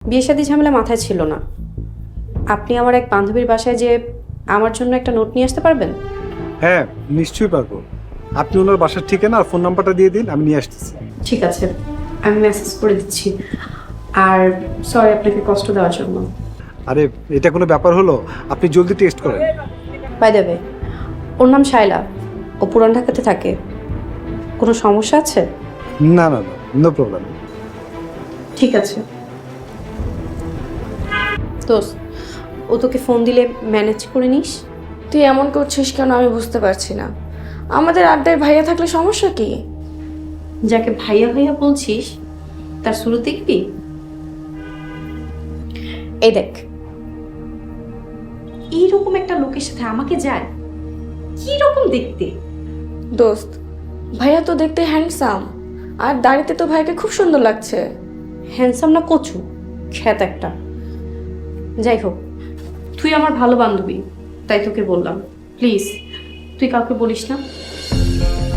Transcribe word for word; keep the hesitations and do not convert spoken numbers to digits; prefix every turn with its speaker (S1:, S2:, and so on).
S1: বিয়ে শাদী ঝামেলা মাথায় ছিল না। আপনি আমার এক বান্ধবীর বাসায় যে আমার জন্য একটা নোট নিয়ে আসতে পারবেন?
S2: হ্যাঁ, নিশ্চয়ই পারবো। আপনি ওনার বাসার ঠিকানা আর ফোন নাম্বারটা দিয়ে দিন, আমি নিয়ে আসতেছি।
S1: ঠিক আছে, আমি মেসেজ করে দিচ্ছি। আর সরি আপনাকে কষ্ট দেওয়ার জন্য।
S2: আরে এটা কোনো ব্যাপার হলো? আপনি জলদি টেস্ট করেন।
S1: বাই দ্য ওয়ে, ওর নাম শায়লা, ও পুরান ঢাকাতে থাকে। কোনো সমস্যা আছে?
S2: না না না, নো প্রবলেম।
S1: ঠিক আছে দোস্ত, ও তোকে ফোন দিলে ম্যানেজ করে নিস।
S3: তুই এমন করছিস কেন আমি বুঝতে পারছি না। আমাদের আড্ডায় ভাইয়া থাকলে সমস্যা কি?
S1: যাকে ভাইয়া ভাইয়া বলছিস তার শুরু দেখবি। এই দেখ, এইরকম একটা লোকের সাথে আমাকে যায়, কি রকম দেখতে।
S3: দোস্ত, ভাইয়া তো দেখতে হ্যান্ডসাম, আর দাড়িতে তো ভাইকে খুব সুন্দর লাগছে।
S1: হ্যান্ডসাম না কচু, খ্যাত একটা। যাই হোক, তুই আমার ভালো বান্ধবী, তাই তোকে বললাম। প্লিজ তুই কাউকে বলিস না।